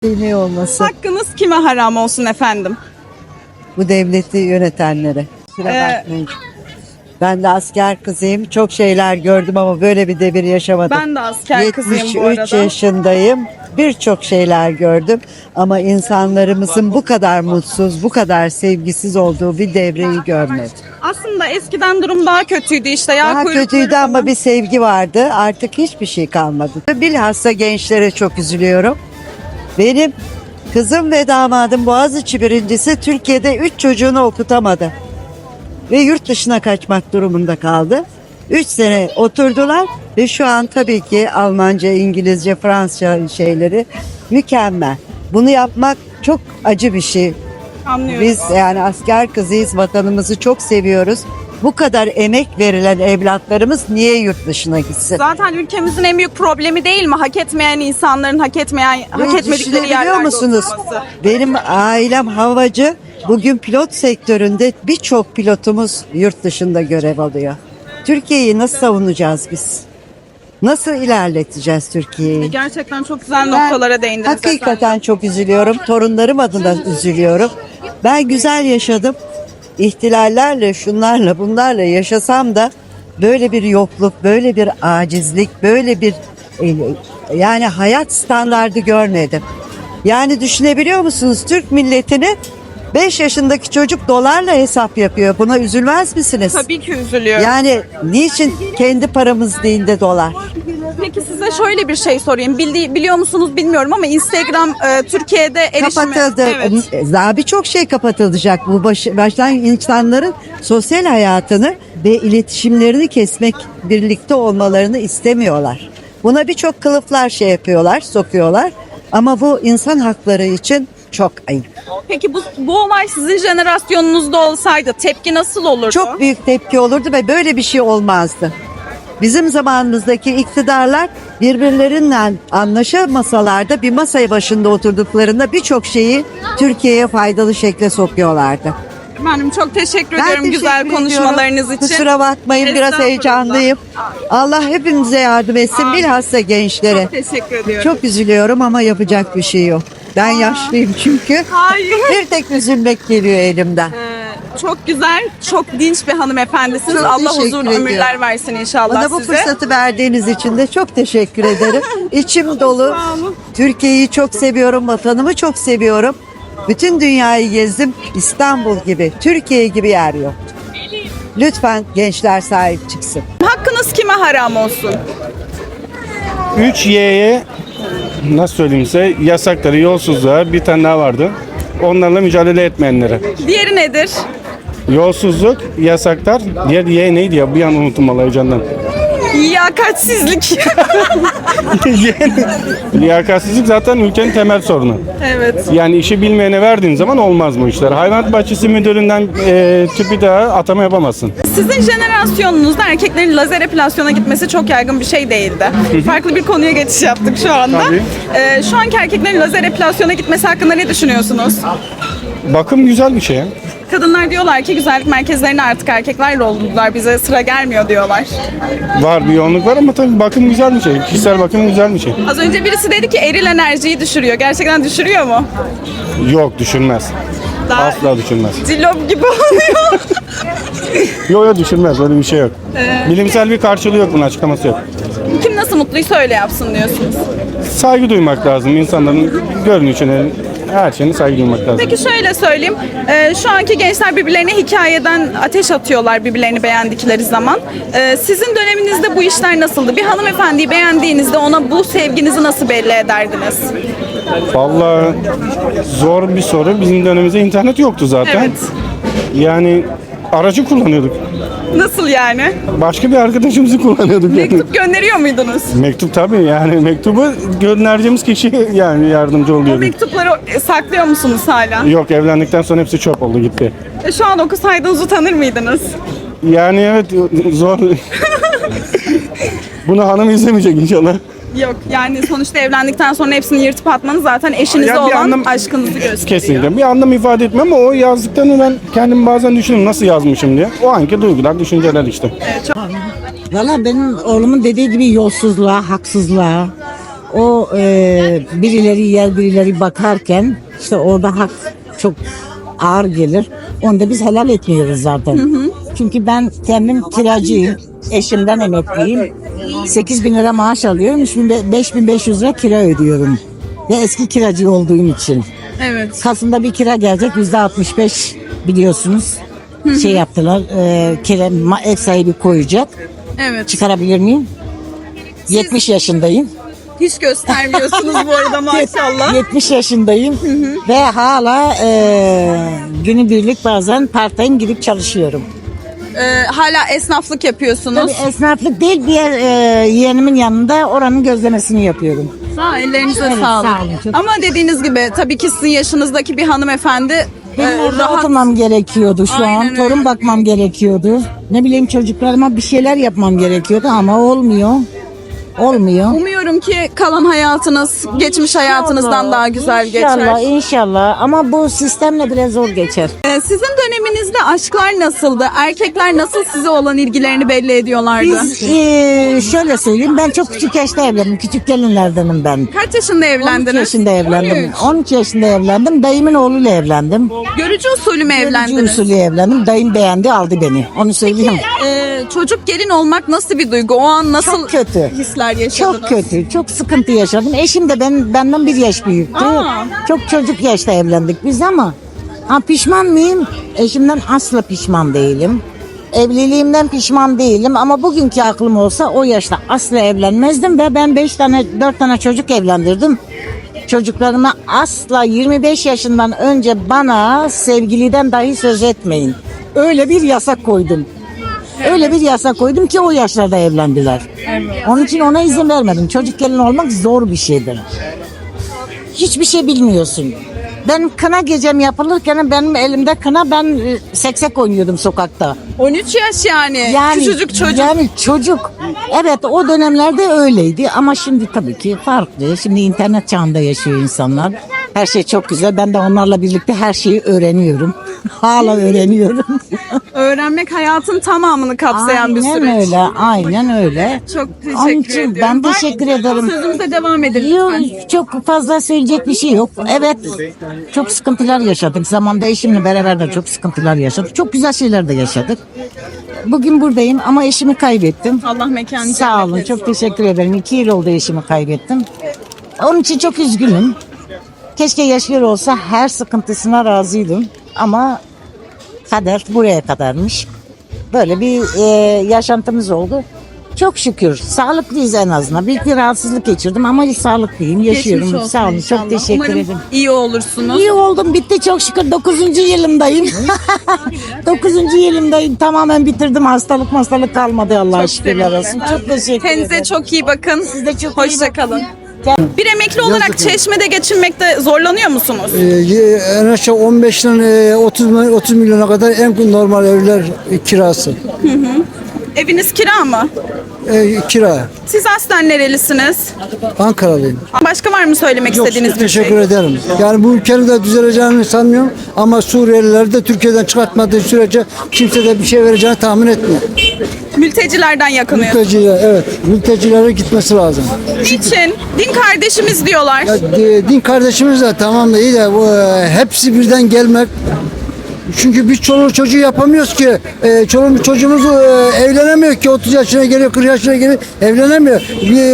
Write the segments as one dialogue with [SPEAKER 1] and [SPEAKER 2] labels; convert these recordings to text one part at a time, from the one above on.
[SPEAKER 1] Ne olması?
[SPEAKER 2] Hakkınız kime haram olsun efendim?
[SPEAKER 1] Bu devleti yönetenlere. Kusura bakmayın. Ben de asker kızıyım. Çok şeyler gördüm ama böyle bir devir yaşamadım.
[SPEAKER 2] Ben de asker kızıyım bu
[SPEAKER 1] 73
[SPEAKER 2] arada.
[SPEAKER 1] yaşındayım. Birçok şeyler gördüm. Ama insanlarımızın bu kadar mutsuz, bu kadar sevgisiz olduğu bir devreyi görmedim.
[SPEAKER 2] Aslında eskiden durum daha kötüydü işte.
[SPEAKER 1] Daha kötüydü ama bir sevgi vardı. Artık hiçbir şey kalmadı. Bilhassa gençlere çok üzülüyorum. Benim kızım ve damadım Boğaziçi birincisi Türkiye'de 3 çocuğunu okutamadı. Ve yurt dışına kaçmak durumunda kaldı. 3 sene oturdular ve şu an tabii ki Almanca, İngilizce, Fransızca şeyleri mükemmel. Bunu yapmak çok acı bir şey.
[SPEAKER 2] Anlıyorum.
[SPEAKER 1] Biz yani asker kızıyız, vatanımızı çok seviyoruz. Bu kadar emek verilen evlatlarımız niye yurt dışına gitsin?
[SPEAKER 2] Zaten ülkemizin en büyük problemi değil mi? Hak etmeyen insanların hak etmedikleri
[SPEAKER 1] Düşünebiliyor
[SPEAKER 2] yerlerde
[SPEAKER 1] musunuz?
[SPEAKER 2] oturması.
[SPEAKER 1] Benim ailem havacı. Bugün pilot sektöründe birçok pilotumuz yurt dışında görev alıyor. Türkiye'yi nasıl savunacağız biz? Nasıl ilerleteceğiz Türkiye'yi?
[SPEAKER 2] Gerçekten çok güzel noktalara değindiniz
[SPEAKER 1] Hakikaten
[SPEAKER 2] efendim.
[SPEAKER 1] çok üzülüyorum. Torunlarım adına üzülüyorum. Ben güzel yaşadım. İhtilallerle, şunlarla, bunlarla yaşasam da böyle bir yokluk, böyle bir acizlik, böyle bir yani hayat standardı görmedim. Yani düşünebiliyor musunuz? Türk milletini 5 yaşındaki çocuk dolarla hesap yapıyor. Buna üzülmez misiniz?
[SPEAKER 2] Tabii ki üzülüyorum.
[SPEAKER 1] Yani niçin kendi paramız değil de dolar?
[SPEAKER 2] Peki size şöyle bir şey sorayım. Biliyor musunuz bilmiyorum ama Instagram Türkiye'de erişimi...
[SPEAKER 1] Kapatıldı.
[SPEAKER 2] Evet.
[SPEAKER 1] Daha birçok şey kapatılacak. Bu baştan insanların sosyal hayatını ve iletişimlerini kesmek, birlikte olmalarını istemiyorlar. Buna birçok kılıflar şey yapıyorlar, sokuyorlar. Ama bu insan hakları için çok ayıp.
[SPEAKER 2] Peki bu olay sizin jenerasyonunuzda olsaydı tepki nasıl olurdu?
[SPEAKER 1] Çok büyük tepki olurdu ve böyle bir şey olmazdı. Bizim zamanımızdaki iktidarlar birbirleriyle anlaşamasalar da bir masaya başında oturduklarında birçok şeyi Türkiye'ye faydalı şekle sokuyorlardı.
[SPEAKER 2] Efendim çok teşekkür
[SPEAKER 1] Ben
[SPEAKER 2] ediyorum
[SPEAKER 1] teşekkür
[SPEAKER 2] güzel
[SPEAKER 1] ediyorum.
[SPEAKER 2] konuşmalarınız için.
[SPEAKER 1] Kusura bakmayın biraz
[SPEAKER 2] Estağfurullah.
[SPEAKER 1] heyecanlıyım. Allah hepimize yardım etsin, bilhassa gençlere.
[SPEAKER 2] Çok teşekkür ediyorum.
[SPEAKER 1] Çok üzülüyorum ama yapacak bir şey yok. Ben yaşlıyım çünkü.
[SPEAKER 2] Hayır.
[SPEAKER 1] Bir tek üzülmek geliyor elimden.
[SPEAKER 2] Çok güzel, çok dinç bir hanımefendisiniz.
[SPEAKER 1] Çok
[SPEAKER 2] Allah
[SPEAKER 1] teşekkür
[SPEAKER 2] uzun
[SPEAKER 1] ediyorum.
[SPEAKER 2] ömürler versin inşallah
[SPEAKER 1] Bana bu
[SPEAKER 2] size.
[SPEAKER 1] fırsatı verdiğiniz için de çok teşekkür ederim. İçim dolu.
[SPEAKER 2] Sağ olun.
[SPEAKER 1] Türkiye'yi çok seviyorum, vatanımı çok seviyorum. Bütün dünyayı gezdim. İstanbul gibi, Türkiye gibi yer yok. Lütfen gençler sahip çıksın.
[SPEAKER 2] Hakkınız kime haram olsun?
[SPEAKER 3] 3Y'ye nasıl söyleyeyim size yasakları, yolsuzluğa bir tane daha vardı. Onlarla mücadele etmeyenlere.
[SPEAKER 2] Diğeri nedir?
[SPEAKER 3] Yolsuzluk, yasaklar, diğer Y neydi ya? Bir an unuttum vallahi heyecandan.
[SPEAKER 2] Liyakatsizlik.
[SPEAKER 3] Liyakatsizlik zaten ülkenin temel sorunu.
[SPEAKER 2] Evet.
[SPEAKER 3] Yani işi bilmeyene verdiğin zaman olmaz bu işler. Hayvanat bahçesi müdüründen tüpü daha atama yapamazsın.
[SPEAKER 2] Sizin jenerasyonunuzda erkeklerin lazer epilasyona gitmesi çok yaygın bir şey değildi. Farklı bir konuya geçiş yaptık şu anda.
[SPEAKER 3] Tabii.
[SPEAKER 2] Şu anki erkeklerin lazer epilasyona gitmesi hakkında ne düşünüyorsunuz?
[SPEAKER 3] Bakım güzel bir şey.
[SPEAKER 2] Kadınlar diyorlar ki güzellik merkezlerine artık erkekler doldurdular. Bize sıra gelmiyor diyorlar.
[SPEAKER 3] Var bir yoğunluk var ama tabii bakım güzel bir şey. Kişisel bakım güzel bir şey.
[SPEAKER 2] Az önce birisi dedi ki eril enerjiyi düşürüyor. Gerçekten düşürüyor mu?
[SPEAKER 3] Yok düşürmez.
[SPEAKER 2] Daha
[SPEAKER 3] Asla düşürmez.
[SPEAKER 2] cillop gibi oluyor.
[SPEAKER 3] Yok düşürmez öyle bir şey yok. Bilimsel bir karşılığı yok bunun açıklaması yok.
[SPEAKER 2] Kim nasıl mutluysa öyle yapsın diyorsunuz.
[SPEAKER 3] Saygı duymak lazım insanların görünüşüne, her şeyine saygı duymak lazım.
[SPEAKER 2] Peki şöyle söyleyeyim. Şu anki gençler birbirlerine hikayeden ateş atıyorlar birbirlerini beğendikleri zaman. Sizin döneminizde bu işler nasıldı? Bir hanımefendiyi beğendiğinizde ona bu sevginizi nasıl belli ederdiniz?
[SPEAKER 3] Vallahi zor bir soru. Bizim dönemimizde internet yoktu zaten.
[SPEAKER 2] Evet.
[SPEAKER 3] Yani aracı kullanıyorduk.
[SPEAKER 2] Nasıl yani?
[SPEAKER 3] Başka bir arkadaşımızı kullanıyorduk. Yani.
[SPEAKER 2] Mektup gönderiyor muydunuz?
[SPEAKER 3] Mektup tabii yani mektubu göndereceğimiz kişi yani yardımcı
[SPEAKER 2] O
[SPEAKER 3] oluyordu.
[SPEAKER 2] mektupları saklıyor musunuz hala?
[SPEAKER 3] Yok evlendikten sonra hepsi çöp oldu gitti.
[SPEAKER 2] Şu an okusaydınız utanır mıydınız?
[SPEAKER 3] Yani evet zor. Bunu hanım izlemeyecek inşallah.
[SPEAKER 2] Yok yani sonuçta evlendikten sonra hepsini yırtıp atmanız zaten eşinize
[SPEAKER 3] Ya bir
[SPEAKER 2] olan
[SPEAKER 3] anlam-
[SPEAKER 2] aşkınızı gösteriyor.
[SPEAKER 3] Kesinlikle. Bir anlam ifade etmem ama o yazdıklarını ben kendim bazen düşünüyorum nasıl yazmışım diye. O anki duygular, düşünceler işte.
[SPEAKER 4] Valla benim oğlumun dediği gibi yolsuzluğa, haksızlığa, o birileri yer birileri bakarken işte orada hak çok ağır gelir. Onu da biz helal etmiyoruz zaten. Çünkü ben kendim kiracıyım. Eşimden emekliyim. 8 bin lira maaş alıyorum. 5.500 lira kira ödüyorum. Ve eski kiracı olduğum için.
[SPEAKER 2] Evet.
[SPEAKER 4] Kasım'da bir kira gelecek. %65 biliyorsunuz. Şey yaptılar. Ev sahibi koyacak.
[SPEAKER 2] Evet.
[SPEAKER 4] Çıkarabilir miyim? 70 yaşındayım.
[SPEAKER 2] Hiç göstermiyorsunuz bu arada maşallah.
[SPEAKER 4] 70 yaşındayım ve hala günübirlik bazen part-time gidip çalışıyorum.
[SPEAKER 2] Hala esnaflık yapıyorsunuz.
[SPEAKER 4] Tabii esnaflık değil, bir yeğenimin yanında oranın gözlemesini yapıyorum.
[SPEAKER 2] Ellerinize
[SPEAKER 4] Evet,
[SPEAKER 2] sağlık.
[SPEAKER 4] sağ olun, çok
[SPEAKER 2] Ama dediğiniz gibi tabii ki sizin yaşınızdaki bir hanımefendi
[SPEAKER 4] Benim orada
[SPEAKER 2] rahat.
[SPEAKER 4] oturmam gerekiyordu şu
[SPEAKER 2] Aynen
[SPEAKER 4] an.
[SPEAKER 2] öyle.
[SPEAKER 4] Torun bakmam gerekiyordu. Ne bileyim çocuklarıma bir şeyler yapmam gerekiyordu ama olmuyor. Olmuyor.
[SPEAKER 2] Umuyorum ki kalan hayatınız geçmiş hayatınızdan daha güzel
[SPEAKER 4] İnşallah,
[SPEAKER 2] geçer.
[SPEAKER 4] inşallah. Ama bu sistemle biraz zor geçer.
[SPEAKER 2] Sizin döneminizde aşklar nasıldı? Erkekler nasıl size olan ilgilerini belli ediyorlardı?
[SPEAKER 4] Biz şöyle söyleyeyim, ben çok küçük yaşta evlendim. Küçük gelinlerdenim ben.
[SPEAKER 2] Kaç yaşında
[SPEAKER 4] 13
[SPEAKER 2] evlendiniz?
[SPEAKER 4] yaşında evlendim.
[SPEAKER 2] 13.
[SPEAKER 4] 13 yaşında evlendim. Dayımın oğluyla evlendim.
[SPEAKER 2] Görücü usulü mü
[SPEAKER 4] Görücü
[SPEAKER 2] evlendiniz?
[SPEAKER 4] usulü evlendim. Dayım beğendi, aldı beni. Onu söyleyeyim.
[SPEAKER 2] Çocuk gelin olmak nasıl bir duygu? O an nasıl
[SPEAKER 4] Çok kötü.
[SPEAKER 2] hisler yaşadınız?
[SPEAKER 4] Çok kötü, çok sıkıntı yaşadım. Eşim de benden bir yaş büyüktü.
[SPEAKER 2] Aa.
[SPEAKER 4] Çok çocuk yaşta evlendik biz ama pişman mıyım? Eşimden asla pişman değilim. Evliliğimden pişman değilim ama bugünkü aklım olsa o yaşta asla evlenmezdim ve ben 4 tane çocuk evlendirdim. Çocuklarıma asla 25 yaşından önce bana sevgiliden dahi söz etmeyin. Öyle bir yasak koydum. Öyle bir yasak koydum ki o yaşlarda evlendiler. Onun için ona izin vermedim. Çocuk gelin olmak zor bir şeydir. Hiçbir şey bilmiyorsun. Ben kına gecem yapılırken benim elimde kına, ben seksek oynuyordum sokakta.
[SPEAKER 2] 13 yaş yani. Küçücük çocuk.
[SPEAKER 4] Yani çocuk. Evet, o dönemlerde öyleydi ama şimdi tabii ki farklı. Şimdi internet çağında yaşıyor insanlar. Her şey çok güzel. Ben de onlarla birlikte her şeyi öğreniyorum. Hala öğreniyorum.
[SPEAKER 2] Öğrenmek hayatın tamamını kapsayan bir süreç.
[SPEAKER 4] Aynen öyle, aynen öyle.
[SPEAKER 2] Çok
[SPEAKER 4] Onun
[SPEAKER 2] teşekkür
[SPEAKER 4] için
[SPEAKER 2] ediyorum.
[SPEAKER 4] ben teşekkür ederim.
[SPEAKER 2] Sözümüze devam edin
[SPEAKER 4] Yok,
[SPEAKER 2] lütfen.
[SPEAKER 4] çok fazla söyleyecek bir şey yok. Evet, çok sıkıntılar yaşadık. Zamanda eşimle beraber de çok sıkıntılar yaşadık. Çok güzel şeyler de yaşadık. Bugün buradayım ama eşimi kaybettim.
[SPEAKER 2] Allah mekanı
[SPEAKER 4] Sağ
[SPEAKER 2] cennet
[SPEAKER 4] olun,
[SPEAKER 2] etsin.
[SPEAKER 4] çok teşekkür ederim. 2 yıl oldu eşimi kaybettim. Onun için çok üzgünüm. Keşke yaşıyor olsa, her sıkıntısına razıydım. Ama kader buraya kadarmış. Böyle bir yaşantımız oldu. Çok şükür sağlıklıyız en azından. Büyük bir rahatsızlık geçirdim ama sağlıklıyım, yaşıyorum.
[SPEAKER 2] Geçmiş olsun
[SPEAKER 4] Sağ olun,
[SPEAKER 2] inşallah.
[SPEAKER 4] çok teşekkür
[SPEAKER 2] Umarım
[SPEAKER 4] ederim.
[SPEAKER 2] iyi olursunuz.
[SPEAKER 4] İyi oldum, bitti çok şükür. 9. yılımdayım. 9. yılımdayım. Tamamen bitirdim. Hastalık kalmadı, Allah'a şükürler olsun. Çok teşekkür
[SPEAKER 2] Kendinize
[SPEAKER 4] ederim.
[SPEAKER 2] çok iyi bakın.
[SPEAKER 4] Siz de çok iyi
[SPEAKER 2] Hoşça
[SPEAKER 4] bakın.
[SPEAKER 2] kalın. Bir emekli olarak Çeşme'de geçinmekte zorlanıyor musunuz?
[SPEAKER 5] En aşağı 15'ten 30 milyona kadar en normal evler kirası.
[SPEAKER 2] Eviniz kira mı?
[SPEAKER 5] Kira.
[SPEAKER 2] Siz aslen nerelisiniz?
[SPEAKER 5] Ankaralıyım.
[SPEAKER 2] Başka var mı söylemek
[SPEAKER 5] Yok,
[SPEAKER 2] istediğiniz bir
[SPEAKER 5] teşekkür
[SPEAKER 2] şey?
[SPEAKER 5] ederim. Yani bu ülkenin de düzeleceğini sanmıyorum ama Suriyeliler de Türkiye'den çıkartmadığı sürece kimse de bir şey vereceğini tahmin etmiyor.
[SPEAKER 2] Mültecilerden yakınıyorsunuz.
[SPEAKER 5] Mülteciler, evet, mültecilere gitmesi lazım.
[SPEAKER 2] Niçin? Din kardeşimiz diyorlar.
[SPEAKER 5] Ya, din kardeşimiz de tamam da iyi de hepsi birden gelmek. Çünkü biz çoluk çocuğu yapamıyoruz ki. Çoluk çocuğumuz evlenemiyor ki. 30 yaşına geliyor, 40 yaşına geliyor, evlenemiyor.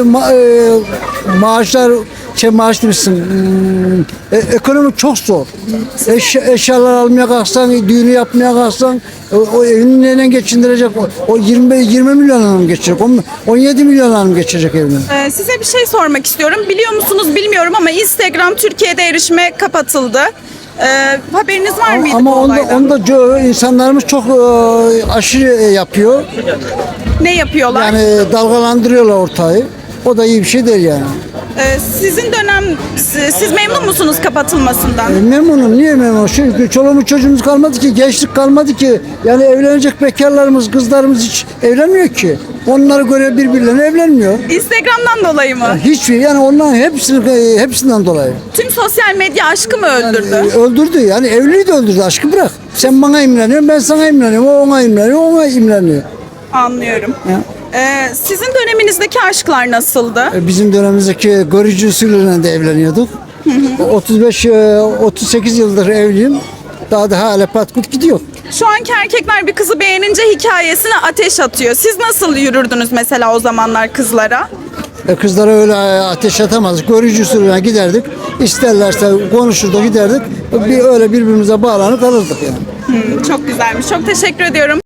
[SPEAKER 5] Maaşlar, maaş demişsin. Ekonomi çok zor. Eşyalar almaya kalksan, düğünü yapmaya kalksan, o evini neyle geçindirecek? O 20 milyonla mı geçirecek? 17 milyonla mı geçirecek evini?
[SPEAKER 2] Size bir şey sormak istiyorum. Biliyor musunuz bilmiyorum ama Instagram Türkiye'de erişime kapatıldı. Haberiniz var mıydı
[SPEAKER 5] Ama
[SPEAKER 2] bu olaydan?
[SPEAKER 5] onda insanlarımız çok aşırı yapıyor.
[SPEAKER 2] Ne yapıyorlar?
[SPEAKER 5] Yani dalgalandırıyorlar ortayı. O da iyi bir şey değil yani.
[SPEAKER 2] Sizin dönem, siz memnun musunuz kapatılmasından?
[SPEAKER 5] Memnunum. Niye memnunum? Çünkü çoluğumuz çocuğumuz kalmadı ki, gençlik kalmadı ki. Yani evlenecek bekarlarımız, kızlarımız hiç evlenmiyor ki. Onlara göre birbirlerine evlenmiyor.
[SPEAKER 2] Instagram'dan dolayı mı?
[SPEAKER 5] Hiçbir, yani onların hepsinden dolayı.
[SPEAKER 2] Tüm sosyal medya aşkı mı öldürdü?
[SPEAKER 5] Öldürdü yani, evliliği de öldürdü, aşkı bırak. Sen bana imreniyorsun, ben sana imreniyorum, o ona imreniyor, o ona imreniyor.
[SPEAKER 2] Anlıyorum.
[SPEAKER 5] Ya.
[SPEAKER 2] Sizin döneminizdeki aşklar nasıldı?
[SPEAKER 5] Bizim dönemimizdeki görücü usulüyle de evleniyorduk. 38 yıldır evliyim. Daha da hala patkut gidiyor.
[SPEAKER 2] Şu anki erkekler bir kızı beğenince hikayesine ateş atıyor. Siz nasıl yürürdünüz mesela o zamanlar kızlara?
[SPEAKER 5] Kızlara öyle ateş atamazdık. Görücü usulüne giderdik. İsterlerse konuşurduk giderdik. Öyle birbirimize bağlanıp kalırdık yani.
[SPEAKER 2] Çok güzelmiş. Çok teşekkür ediyorum.